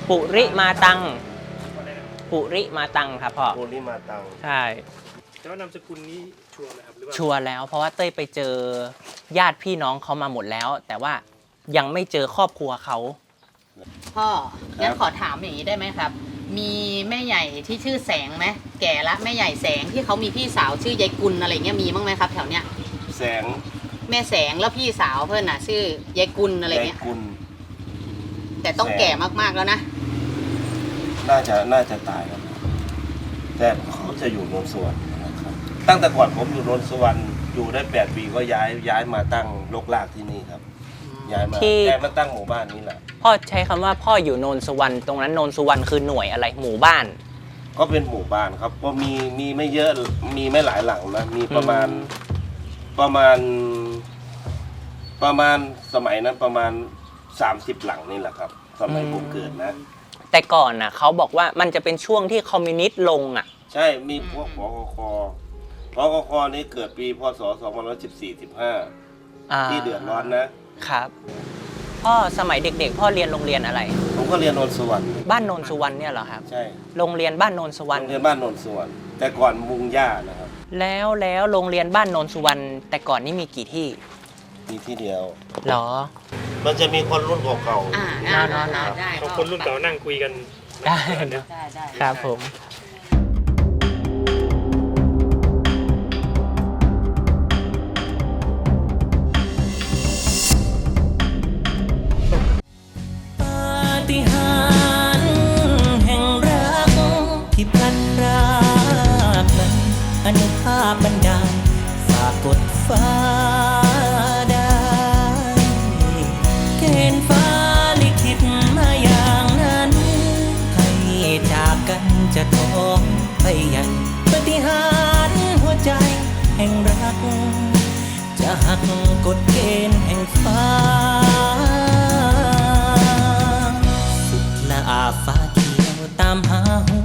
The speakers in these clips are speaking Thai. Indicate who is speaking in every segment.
Speaker 1: ปุริมาตังปุริมาตังครับพ่อ
Speaker 2: ปุริมาตัง
Speaker 1: ใช่
Speaker 3: แต่ว่านามสกุลนี้ชัวร์ไหมครับหรือว่า
Speaker 1: ชัวร์แล้วเพราะว่าเต้ยไปเจอญาติพี่น้องเขามาหมดแล้ว แต่ว่ายังไม่เจอครอบครัวเขา
Speaker 4: พ่องั้นขอถามอย่างนี้ได้ไหมครับ มีแม่ใหญ่ที่ชื่อแสงไหมแก่ละแม่ใหญ่แสงที่เขามีพี่สาวชื่อยายกุลอะไรเงี้ยมีบ้างไหมครับแถวเนี้ย
Speaker 2: แสง
Speaker 4: แม่แสงแล้วพี่สาวเพื่อนน่ะชื่อยายกุลอะไรเงี้ย
Speaker 2: ยายกุล
Speaker 4: แต่ต้องแก่มากๆแล้วนะ
Speaker 2: น่าจะตายแล้วแต่เขาจะอยู่โนนสวรรค์นะครับตั้งแต่ก่อนผมอยู่โนนสวรรค์อยู่ได้8 ปีก็ย้ายมาตั้งรกรากที่นี่ครับย้ายมาตั้งหมู่บ้านนี้แหละ
Speaker 1: พ่อใช้คำว่าพ่ออยู่โนนสุวรรณตรงนั้นโนนสุวรรณคือหน่วยอะไรหมู่บ้าน
Speaker 2: ก็เป็นหมู่บ้านครับก็มีไม่เยอะมีไม่หลายหลังนะมีประมาณสมัยนั้นประมาณ30 หลังนี่แหละครับสมัยผมเกิดนะ
Speaker 1: แต่ก่อนน่ะเขาบอกว่ามันจะเป็นช่วงที่คอมมิวนิสต์ลงอ่ะ
Speaker 2: ใช่มีพวกพกคนี่เกิดปีพศ2514-15ที่เดือดร้อนนะครับ
Speaker 1: พ่อสมัยเด็กๆพ่อเรียนโรงเรียนอะไร
Speaker 2: ผมก็เรียนโนนสวรรค์
Speaker 1: บ้านโนนสุวรรณเนี่ยเหรอครับ
Speaker 2: ใช่
Speaker 1: โรงเรียนบ้านโนนสุวรรณ
Speaker 2: โรงเรียนบ้านโนนสุวรรณแต่ก่อนมุงหญ้านะครับ
Speaker 1: แล้วโรงเรียนบ้านโนนสุวรรณแต่ก่อนนี่มีกี่ที่
Speaker 2: มีที่เดียว
Speaker 1: หรอ
Speaker 2: มันจะมีคนรุ่นเก่า
Speaker 4: ๆได้
Speaker 3: เขาคนรุ่นเก่านั่งคุยกัน
Speaker 1: ได้ครับผมปาฏิหาริย์แห่งรักที่พลันรากนั้นอนุภาพบันดาลฝากกดฟ้าได้เกณฑ์ฟ้าลิขิตมาอย่างนั้นให้จากกันจะท้องไปยังปาฏิหาริย์หัวใจแห่งรักจะหักกฎเกณฑ์แห่งฟ้าสุดละอาฟ้าเขียวตามหาหั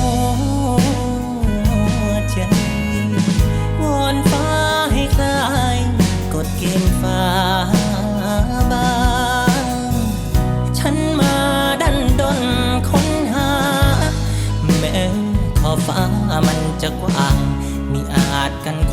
Speaker 1: วใจวอนฟ้าให้คลายกฎเกณฑ์ฟ้าบางฉันมาดันดนค้นหาแม้ขอบฟ้ามันจะกว้างมิอาจกัน